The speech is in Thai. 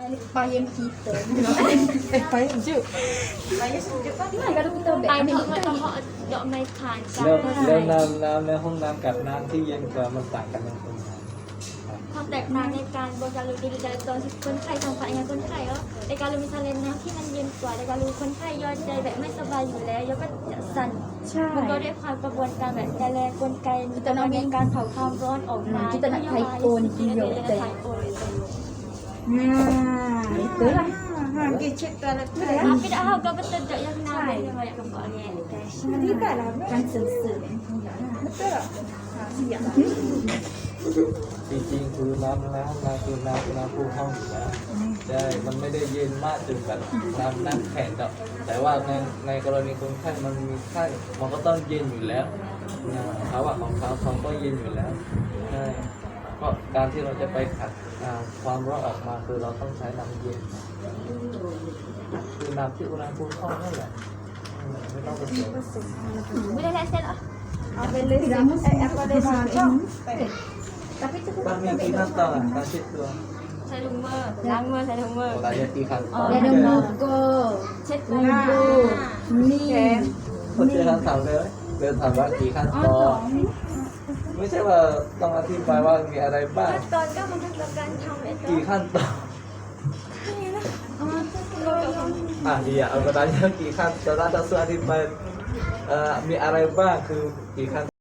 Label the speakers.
Speaker 1: payem kita.
Speaker 2: Payem je.
Speaker 1: Payem juga kan kalau kita
Speaker 3: ไป
Speaker 1: ambil
Speaker 3: เถอะ
Speaker 1: ni
Speaker 3: มัน
Speaker 1: kan.
Speaker 3: ต้องเดาะไม่ผ่านกัน
Speaker 4: แล้วน้ำในห้องน้ำกับน้ำที่เย็นกว่ามันต่างกันยังไงครับ
Speaker 3: ความแตกต่างในการบริการรู้ดีหรือการตอนที่คนไข้ทำฝ่ายงานคนไข้ก็ในการรู้มีทะเลน้ำที่มันเย็นกว่าในการรู้คนไข้ย่อยใจแบบไม่สบายอยู่แล้วยก็จะสั่น
Speaker 1: ใช่
Speaker 3: มันก็ด้วยความกระบวนการแบบแต่ละกลไกในการเผาความร้อนออกมา
Speaker 1: kita nak tycoon dia betul.
Speaker 3: ไทโกน
Speaker 1: Nah, itulah. Ha, kecek kalau
Speaker 3: tapi dah tahu kau betul tak yang nama dia banyak kau ni
Speaker 1: tidak lah kan sensor. Betul tak? Ha, siap.
Speaker 4: จริงๆคือน้ำคือน้ำผู้ห้องอยู่แล้วใช่มันไม่ได้เย็นมากจนแบบน้ำแข็งหรอกแต่ว่าในกรณีคนไข้มันมีไข้มันก็ต้องเย็นอยู่แล้วภาวะของเขาก็เย็นอยู่แล้วใช่เพราะการที่เราจะไปขัดความร้อนออกมาคือเราต้องใช้น้ำเย็นคือน้ำที่อุณหภูมิห้องนั่นแหละไม่ต้องผสม
Speaker 3: ไม่ได้แล้วเสร็จแล้ว
Speaker 1: Tidak mesti apa ada macam. Tapi cukup
Speaker 4: มันมีกี่ขั้นตอนการเช็ดตัว
Speaker 3: ใช้ถุงมือล้างมือใช้ถุงมือ
Speaker 4: เวลาจะกี่ขั้นตอน
Speaker 1: ada moga.
Speaker 3: เช็ด
Speaker 1: Ni.
Speaker 4: คนเจอคำถามเลยเดินถามว่ากี่ขั้นตอนไม่ใช่ว่าต้องอธิบายว่ามีอะไรบ้าง
Speaker 3: ขั้นตอนก็มันคือการทำเอง
Speaker 4: กี่ขั้นตอนiyaเอากระดาษกี่ขั้นตอนนั้นจะอธิบายมีอะไรบ้างคือกี่ขั้น